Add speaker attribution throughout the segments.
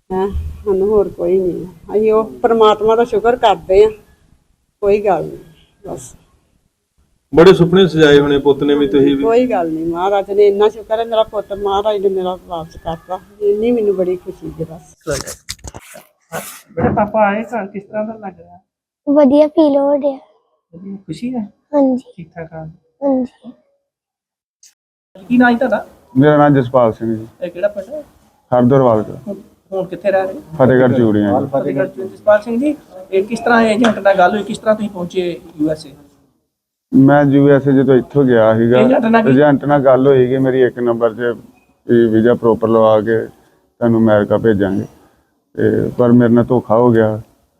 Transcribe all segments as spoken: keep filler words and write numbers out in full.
Speaker 1: ਹੈ ਸਾਨੂੰ ਹੋਰ ਕੋਈ ਨਹੀਂ ਆ। ਅਸੀਂ ਉਹ ਪ੍ਰਮਾਤਮਾ ਦਾ ਸ਼ੁਕਰ ਕਰਦੇ ਆ, ਕੋਈ ਗੱਲ ਨਹੀਂ ਬਸ।
Speaker 2: ਬੜੇ ਸੁਪਨੇ ਸਜਾਏ ਹੋਣੇ ਪੁੱਤ ਨੇ ਵੀ, ਤੁਸੀਂ ਵੀ।
Speaker 1: ਕੋਈ ਗੱਲ ਨਹੀਂ, ਮਹਾਰਾਜ ਨੇ ਇੰਨਾ ਸ਼ੁਕਰ ਹੈ ਮੇਰਾ ਪੁੱਤ ਮਹਾਰਾਜ ਨੇ ਮੇਰਾ ਵਾਪਸ ਕਰਤਾ, ਇੰਨੀ ਮੈਨੂੰ ਬੜੀ ਖੁਸ਼ੀ ਹੈ ਬਸ।
Speaker 3: बेटा पापा आए घर, किस तरह का लग रहा है?
Speaker 4: ਵਧੀਆ ਫੀਲ ਹੋ ਰਿਹਾ।
Speaker 3: ਵਧੀਆ, खुशी है?
Speaker 4: ਹਾਂਜੀ
Speaker 3: ठीक ठाक हाँ।
Speaker 4: ਹਾਂਜੀ।
Speaker 3: की नाम है ਤੁਹਾਡਾ?
Speaker 5: ਮੇਰਾ ਨਾਮ ਜਸਪਾਲ ਸਿੰਘ ਜੀ,
Speaker 3: ਇਹ ਕਿਹੜਾ ਪਿੰਡ ਹੈ?
Speaker 5: ਹਰਦਰਵਾਲ ਦਾ,
Speaker 3: ਹੁਣ ਹੁਣ ਕਿੱਥੇ ਰਹਿ ਰਹੇ?
Speaker 5: ਫਤਿਹਗੜ੍ਹ ਚੂੜੀਆਂ ਜੀ।
Speaker 3: ਫਤਿਹਗੜ੍ਹ ਚ। ਜਸਪਾਲ ਸਿੰਘ ਜੀ, ਇਹ ਕਿਸ ਤਰ੍ਹਾਂ ਏਜੰਟ ਨਾਲ ਗੱਲ ਹੋਈ, ਕਿਸ ਤਰ੍ਹਾਂ ਤੁਸੀਂ ਪਹੁੰਚੇ ਯੂ ਐਸ ਏ?
Speaker 5: ਮੈਂ ਯੂ ਐਸ ਏ ਜਦੋਂ ਇੱਥੋਂ ਗਿਆ ਸੀਗਾ,
Speaker 3: ਏਜੰਟ ਨਾਲ ਕੀ-
Speaker 5: ਏਜੰਟ ਨਾਲ ਗੱਲ ਹੋਈ ਕਿ ਮੇਰੀ ਇੱਕ ਨੰਬਰ 'ਚ ਵੀਜ਼ਾ ਪ੍ਰੋਪਰ ਲਵਾ ਕੇ ਤੁਹਾਨੂੰ ਅਮਰੀਕਾ ਭੇਜਾਂਗੇ, ਤੇ ਪਰ ਮੇਰੇ ਨਾਲ ਧੋਖਾ ਹੋ ਗਿਆ।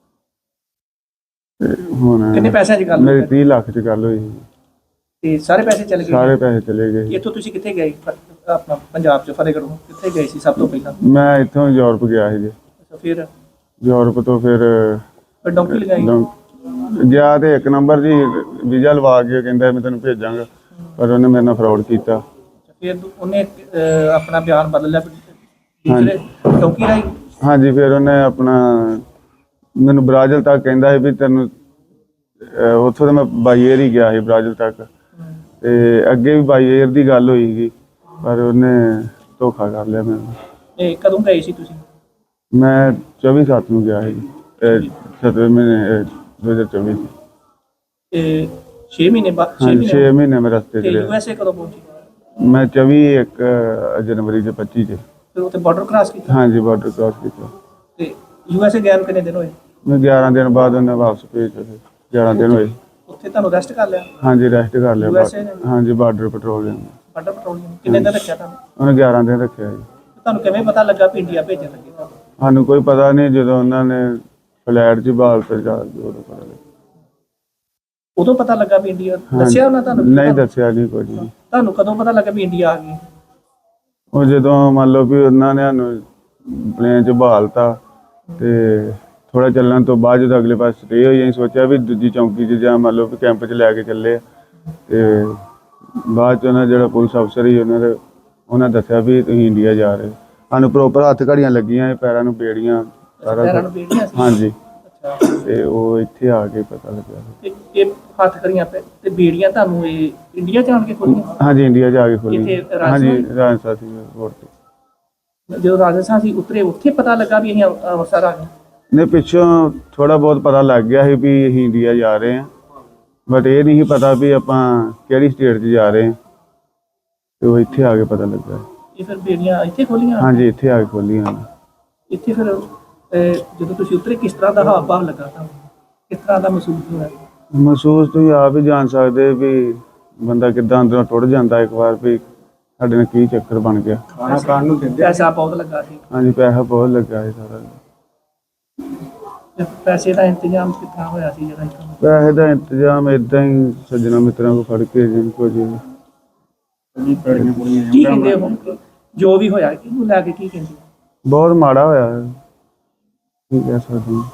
Speaker 5: ਤੇ ਹੁਣ
Speaker 3: ਕਿੰਨੇ ਪੈਸਿਆਂ 'ਚ ਗੱਲ
Speaker 5: ਮੇਰੀ
Speaker 3: ਹੋਈ?
Speaker 5: ਤੀਹ ਲੱਖ 'ਚ ਗੱਲ ਹੋਈ ਸੀ।
Speaker 3: ਤੇ ਸਾਰੇ ਪੈਸੇ ਚਲੇ ਗਏ?
Speaker 5: ਸਾਰੇ ਪੈਸੇ ਚਲੇ ਗਏ।
Speaker 3: ਇੱਥੋਂ ਤੁਸੀਂ ਕਿੱਥੇ ਗਏ? ਫ- ਆਪਣਾ ਪੰਜਾਬ 'ਚ ਫਤਿਹਗੜ੍ਹੋਂ ਕਿੱਥੇ ਗਏ ਸੀ ਸਭ ਤੋਂ ਪਹਿਲਾਂ?
Speaker 5: ਮੈਂ ਇੱਥੋਂ ਯੂਰਪ ਗਿਆ ਸੀ ਜੀ,
Speaker 3: ਅੱਛਾ, ਫਿਰ
Speaker 5: ਯੂਰਪ ਤੋਂ ਫਿਰ
Speaker 3: ਫਿਰ ਡੌਂਕੀ ਲਗਾਈ?
Speaker 5: ਲੰ- ਗਿਆ ਤੇ ਇੱਕ ਨੰਬਰ ਜੀ ਵੀਜ਼ਾ ਲਵਾ ਕੇ ਕਹਿੰਦਾ ਮੈਂ ਤੈਨੂੰ ਭੇਜਾਂਗਾ, ਪਰ ਉਹਨੇ ਮੇਰੇ ਨਾਲ ਫਰਾਡ ਕੀਤਾ।
Speaker 3: ਫਿਰ ਦੂ- ਉਹਨੇ ਅਹ, ਆਪਣਾ ਬਿਆਨ ਬਦਲ ਲਿਆ ਫਿਰ ਦੂਸਰੇ ਡੌਂਕੀ ਰਾਈ?
Speaker 5: ਹਾਂਜੀ, ਫਿਰ ਉਹਨੇ ਆਪਣਾ ਮੈਨੂੰ ਬ੍ਰਾਜ਼ਿਲ ਤੱਕ ਕਹਿੰਦਾ ਸੀ ਵੀ ਤੈਨੂੰ ਅਹ ਉੱਥੋਂ ਤਾਂ ਮੈਂ ਬਾਈ ਏਅਰ ਹੀ ਗਿਆ ਸੀ ਬ੍ਰਾਜ਼ਿਲ ਤੱਕ, ਤੇ ਅੱਗੇ ਵੀ ਬਾਈ ਏਅਰ ਦੀ ਗੱਲ ਹੋਈ ਸੀ, ਪਰ ਉਹਨੇ ਧੋਖਾ ਕਰ ਲਿਆ ਮੈਨੂੰ।
Speaker 3: ਇਹ ਕਦੋਂ ਗਏ ਸੀ ਤੁਸੀਂ?
Speaker 5: ਮੈਂ ਚੌਵੀ ਸੱਤ ਨੂੰ ਗਿਆ ਸੀ, ਸਤਵੇਂ ਮਹੀਨੇ ਦੋ ਹਜ਼ਾਰ ਚੌਵੀ ਚ।
Speaker 3: ਇਹ ਛੇ ਮਹੀਨੇ ਬਾਅਦ? ਛੇ
Speaker 5: ਹਾਂਜੀ,
Speaker 3: ਮਹੀਨੇ
Speaker 5: ਛੇ ਮਹੀਨੇ ਮੈਂ ਰਸਤੇ 'ਚ
Speaker 3: ਤੇ ਯੂ
Speaker 5: ਰਿਹਾ।
Speaker 3: ਐਸ ਏ ਕਦੋਂ ਪਹੁੰਚੀ?
Speaker 5: ਮੈਂ ਚੌਵੀ ਇੱਕ ਅਹ, ਜਨਵਰੀ ਦੇ ਪੱਚੀ ਚ।
Speaker 3: ਫਿਰ ਉੱਥੇ ਬਾਰਡਰ ਕ੍ਰਾਸ ਕੀਤਾ?
Speaker 5: ਹਾਂਜੀ, ਬਾਰਡਰ ਕ੍ਰਾਸ ਕੀਤਾ।
Speaker 3: ਤੇ ਯੂ ਐਸ ਏ ਗਏ ਨੂੰ ਕਿੰਨੇ ਦਿਨ ਹੋਏ?
Speaker 5: ਮੈਂ ਗਿਆਰਾਂ ਦਿਨ ਬਾਅਦ ਉਹਨੇ ਵਾਪਸ ਭੇਜਿਆ ਸੀ, ਗਿਆਰਾਂ ਦਿਨ ਹੋਏ।
Speaker 3: ਉੱਥੇ ਤੁਹਾਨੂੰ ਰੈਸਟ ਕਰ ਲਿਆ
Speaker 5: ਹਾਂਜੀ, ਰੈਸਟ ਕਰ ਲਿਆ।
Speaker 3: ਯੂ ਐਸ ਏ ਨੇ?
Speaker 5: ਹਾਂਜੀ, ਬਾਰਡਰ ਪੈਟਰੋਲਿੰਗ
Speaker 3: ਬਾਰਡਰ ਪੈਟਰੋਲਿੰਗ ਕਿੰਨੇ ਦਿਨ ਰੱਖਿਆ ਤੁਹਾਨੂੰ?
Speaker 5: ਉਹਨੇ ਗਿਆਰਾਂ ਦਿਨ ਰੱਖਿਆ ਜੀ।
Speaker 3: ਤੁਹਾਨੂੰ ਕਿਵੇਂ ਪਤਾ ਲੱਗਾ ਵੀ ਇੰਡੀਆ ਭੇਜਣ ਲੱਗੇ ਤੁਹਾਨੂੰ?
Speaker 5: ਸਾਨੂੰ ਕੋਈ ਪਤਾ ਨਹੀਂ, ਜਦੋਂ ਉਹਨਾਂ ਨੇ ਫਲੈਟ 'ਚ ਬਾਲ ਤੇ ਜਾ ਕੇ ਉਦੋਂ ਪਤਾ ਲੱਗਾ।
Speaker 3: ਉਦੋਂ ਪਤਾ ਲੱਗਾ ਵੀ ਇੰਡੀਆ?
Speaker 5: ਹਾਂਜੀ।
Speaker 3: ਦੱਸਿਆ ਉਹਨਾਂ ਤੁਹਾਨੂੰ?
Speaker 5: ਨਹੀਂ ਦੱਸਿਆ ਨਹੀਂ ਕੁਝ ਵੀ।
Speaker 3: ਤੁਹਾਨੂੰ ਕਦੋਂ ਪਤਾ ਲੱਗਾ ਵੀ ਇੰਡੀਆ ਆ ਗਈ?
Speaker 5: ਉਹ ਜਦੋਂ ਮੰਨ ਲਓ ਵੀ ਉਹਨਾਂ ਨੇ ਸਾਨੂੰ ਪਲੇਨ 'ਚ ਬਹਾਲਤਾ, ਤੇ ਥੋੜਾ ਚੱਲਣ ਤੋਂ ਬਾਅਦ ਜਦੋਂ ਅਗਲੇ ਪਾਸੇ ਸਟੇ ਹੋਈ, ਅਸੀਂ ਸੋਚਿਆ ਵੀ ਦੂਜੀ ਚੌਂਕੀ 'ਚ ਜਾਂ ਮੰਨ ਲਓ ਵੀ ਕੈਂਪ 'ਚ ਲੈ ਕੇ ਚੱਲੇ ਆ। ਤੇ ਬਾਅਦ 'ਚ ਉਹਨਾਂ ਜਿਹੜਾ ਪੁਲਿਸ ਅਫਸਰ ਸੀ ਉਹਨਾਂ ਦੇ ਉਹਨਾਂ ਦੱਸਿਆ ਵੀ ਤੁਸੀਂ ਇੰਡੀਆ ਜਾ ਰਹੇ। ਸਾਨੂੰ ਪ੍ਰੋਪਰ ਹੱਥ ਘੜੀਆਂ ਲੱਗੀਆਂ, ਪੈਰਾਂ ਨੂੰ ਬੇੜੀਆਂ, ਸਾਰਾ
Speaker 3: ਪੈਰਾਂ ਨੂੰ
Speaker 5: ਕੁਛ।
Speaker 3: ਬੇੜੀਆਂ ਸੀ?
Speaker 5: ਹਾਂਜੀ,
Speaker 3: ਅੱਛਾ।
Speaker 5: ਤੇ ਉਹ ਇੱਥੇ ਆ ਕੇ ਪਤਾ ਲੱਗਿਆ।
Speaker 3: ਤੇ ਇਹ ਹੱਥ ਕਰੀਆਂ ਪੈ ਤੇ ਬੇੜੀਆਂ ਤੁਹਾਨੂੰ ਇਹ ਇੰਡੀਆ ਜਾਣ ਕੇ ਖੋਲੀਆਂ?
Speaker 5: ਹਾਂਜੀ, ਇੰਡੀਆ ਜਾ ਕੇ ਖੋਲੀ।
Speaker 3: ਇੱਥੇ ਰਾਜਸਥਾਨ?
Speaker 5: ਹਾਂਜੀ, ਰਾਜਸਥਾਨ ਸੀ ਰੋਡ ਤੇ।
Speaker 3: ਜਦੋਂ ਰਾਜਸਥਾਨ ਸੀ ਉਤਰੇ, ਉੱਥੇ ਪਤਾ ਲੱਗਾ ਵੀ ਅਸੀਂ ਅੰਮ੍ਰਿ- ਅੰਮ੍ਰਿਤਸਰ ਆ ਗਏ?
Speaker 5: ਨੇ ਪਿੱਛੋਂ ਥੋੜਾ ਬਹੁਤ ਪਤਾ ਲੱਗ ਗਿਆ ਸੀ ਵੀ ਅਸੀਂ ਇੰਡੀਆ ਜਾ ਰਹੇ ਹਾਂ, ਬਟ ਇਹ ਨਹੀਂ ਸੀ ਪਤਾ ਵੀ ਆਪਾਂ ਕਿਹੜੀ ਸਟੇਟ 'ਚ ਜਾ ਰਹੇ ਹਾਂ, ਤੇ ਉਹ ਇੱਥੇ ਆ ਕੇ ਪਤਾ ਲੱਗਾ।
Speaker 3: ਇਹ ਫਿਰ ਬੇੜੀਆਂ ਇੱਥੇ ਖੋਲੀਆਂ?
Speaker 5: ਹਾਂਜੀ, ਇੱਥੇ ਆ ਕੇ ਖੋਲੀਆਂ।
Speaker 3: ਇੱਥੇ ਫਿਰ ਅਹ, ਜਦੋਂ ਤੁਸੀਂ ਉਤਰੇ ਕਿਸ ਤਰ੍ਹਾਂ ਦਾ ਹਾਵ ਭਾਵ ਲੱਗਾ ਤੁਹਾਨੂੰ? ਕਿਸ ਤਰ੍ਹਾਂ ਦਾ ਮਹਿਸੂਸ ਹੋਇਆ?
Speaker 5: ਮਹਿਸੂਸ ਤੁਸੀਂ ਆਪ ਹੀ ਜਾਣ ਸਕਦੇ ਵੀ ਬੰਦਾ ਕਿੱਦਾਂ ਅੰਦਰੋਂ ਟੁੱਟ ਜਾਂਦਾ ਇੱਕ ਵਾਰ, ਵੀ ਸਾਡੇ ਨਾਲ ਕੀ ਚੱਕਰ ਬਣ ਗਿਆ।
Speaker 3: ਖਾਣਾ ਖਾਣ ਨੂੰ ਦਿੰਦੇ? ਪੈਸਾ ਬਹੁਤ ਲੱਗਾ ਸੀ?
Speaker 5: ਹਾਂਜੀ, ਪੈਸਾ ਬਹੁਤ ਲੱਗਾ ਸੀ ਸਾਰਾ।
Speaker 3: ਤੇ ਪੈਸੇ ਦਾ ਇੰਤਜ਼ਾਮ ਕਿੱਥਾਂ ਹੋਇਆ ਸੀ ਜਿਹੜਾ ਇੱਥੋਂ?
Speaker 5: ਪੈਸੇ ਦਾ ਇੰਤਜ਼ਾਮ ਏਦਾਂ ਹੀ ਸੱਜਣਾ ਮਿੱਤਰਾਂ ਕੋਲ ਫੜ ਕੇ ਜਿੰਨ ਕੋ ਜੀ।
Speaker 3: ਕੀ ਕਹਿੰਦੇ ਹੁਣ ਜੋ ਵੀ ਹੋਇਆ ਕਿਹਨੂੰ ਲੈ ਕੇ ਕੀ ਕਹਿੰਦੇ?
Speaker 5: ਬਹੁਤ ਮਾੜਾ ਹੋਇਆ ਹੈ, ਕੀ ਕਹਿ ਸਕਦੇ ਹਾਂ।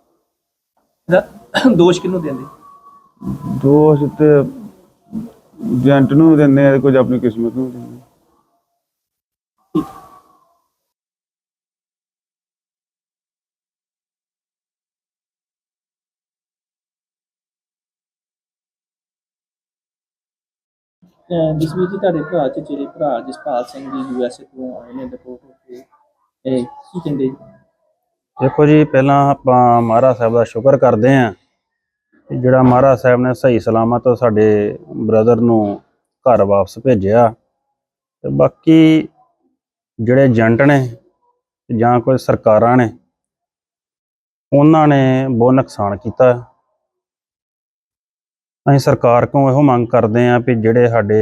Speaker 3: ਇਹਦਾ ਦੋਸ਼ ਕਿਹਨੂੰ ਦਿੰਦੇ?
Speaker 5: ਦੋਸ਼ ਤੇ ਏਜੰਟ ਨੂੰ ਵੀ ਦਿੰਦੇ ਆ, ਕੁਝ ਆਪਣੀ ਕਿਸਮਤ ਨੂੰ ਵੀ ਦਿੰਦੇ ਆ।
Speaker 3: ਜਸਵੀਰ ਜੀ, ਤੁਹਾਡੇ ਭਰਾ ਚ ਜਿਹੜੇ ਭਰਾ ਜਸਪਾਲ ਸਿੰਘ ਜੀ ਯੂ ਐਸ ਏ ਤੋਂ ਆਏ ਨੇ ਰਿਪੋਰਟ ਹੋ ਕੇ, ਇਹ ਕੀ ਕਹਿੰਦੇ?
Speaker 6: ਦੇਖੋ ਜੀ, ਪਹਿਲਾਂ ਆਪਾਂ ਮਹਾਰਾਜ ਸਾਹਿਬ ਦਾ ਸ਼ੁਕਰ ਕਰਦੇ ਹਾਂ ਕਿ ਜਿਹੜਾ ਮਹਾਰਾਜ ਸਾਹਿਬ ਨੇ ਸਹੀ ਸਲਾਮਤ ਸਾਡੇ ਬ੍ਰਦਰ ਨੂੰ ਘਰ ਵਾਪਸ ਭੇਜਿਆ। ਤੇ ਬਾਕੀ ਜਿਹੜੇ ਏਜੰਟ ਨੇ ਜਾਂ ਕੋਈ ਸਰਕਾਰਾਂ ਨੇ, ਉਹਨਾਂ ਨੇ ਬਹੁਤ ਨੁਕਸਾਨ ਕੀਤਾ। ਅਸੀਂ ਸਰਕਾਰ ਕੋਲੋਂ ਇਹੋ ਮੰਗ ਕਰਦੇ ਹਾਂ ਵੀ ਜਿਹੜੇ ਸਾਡੇ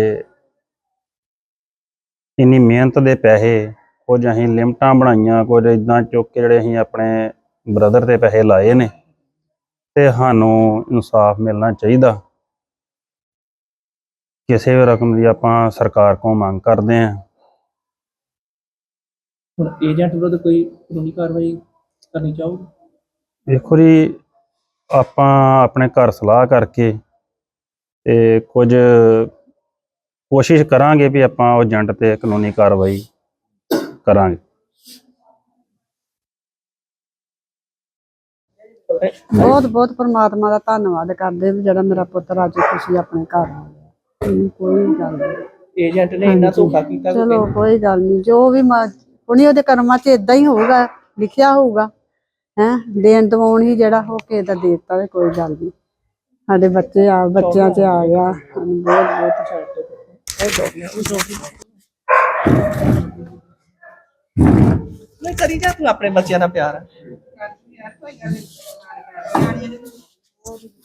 Speaker 6: ਇੰਨੀ ਮਿਹਨਤ ਦੇ ਪੈਸੇ, ਕੁਝ ਅਸੀਂ ਲਿਮਟਾਂ ਬਣਾਈਆਂ, ਕੁਝ ਇੱਦਾਂ ਚੁੱਕ ਕੇ ਜਿਹੜੇ ਅਸੀਂ ਆਪਣੇ ਬ੍ਰਦਰ ਦੇ ਪੈਸੇ ਲਾਏ ਨੇ, ਤੇ ਸਾਨੂੰ ਇਨਸਾਫ ਮਿਲਣਾ ਚਾਹੀਦਾ। ਕਿਸੇ ਵੀ ਰਕਮ ਦੀ ਆਪਾਂ ਸਰਕਾਰ ਕੋਲੋਂ ਮੰਗ ਕਰਦੇ ਹਾਂ।
Speaker 3: ਹੁਣ ਏਜੰਟ ਵਿਰੁੱਧ ਕੋਈ ਕਾਨੂੰਨੀ ਕਾਰਵਾਈ ਕਰਨੀ ਚਾਹੋਗੇ?
Speaker 6: ਦੇਖੋ ਜੀ, ਆਪਾਂ ਆਪਣੇ ਘਰ ਸਲਾਹ ਕਰਕੇ ਤੇ ਕੁਝ ਕੋਸ਼ਿਸ਼ ਕਰਾਂਗੇ ਵੀ ਆਪਾਂ ਉਹ ਏਜੰਟ ਤੇ ਕਾਨੂੰਨੀ ਕਾਰਵਾਈ ਕਰਾਂਗੇ।
Speaker 1: ਬਹੁਤ ਬਹੁਤ ਪਰਮਾਤਮਾ ਦਾ ਧੰਨਵਾਦ ਕਰਦੇ ਵੀ ਜਿਹੜਾ ਮੇਰਾ ਪੁੱਤਰ ਅੱਜ ਖੁਸ਼ੀ ਆਪਣੇ ਘਰ ਆ ਗਿਆ। ਹਮ, ਕੋਈ ਗੱਲ ਨਹੀਂ,
Speaker 3: ਏਜੰਟ ਨੇ ਇੰਨਾ ਧੋਖਾ ਕੀਤਾ ਕਿ
Speaker 1: ਚਲੋ ਕੋਈ ਗੱਲ ਨਹੀਂ, ਜੋ ਵੀ ਉਹਨੇ ਉਹਦੇ ਕਰਮਾਂ 'ਚ ਇਦਾਂ ਹੀ ਹੋਊਗਾ, ਲਿਖਿਆ ਹੋਊਗਾ ਹੈ। ਦੇਣ ਦਵਾਉਣ ਹੀ ਜਿਹੜਾ ਹੋ ਕੇ ਦਾ ਦੇ ਦਿੱਤਾ ਤੇ ਕੋਈ ਗੱਲ ਨਹੀਂ। ਸਾਡੇ ਬੱਚੇ ਆ ਬੱਚਿਆਂ 'ਚ ਆ ਗਿਆ, ਸਾਨੂੰ ਬਹੁਤ
Speaker 3: ਨਹੀਂ ਕਰੀ ਜਾ ਤੂੰ ਆਪਣੇ ਬੱਚਿਆਂ ਨਾਲ ਪਿਆਰ।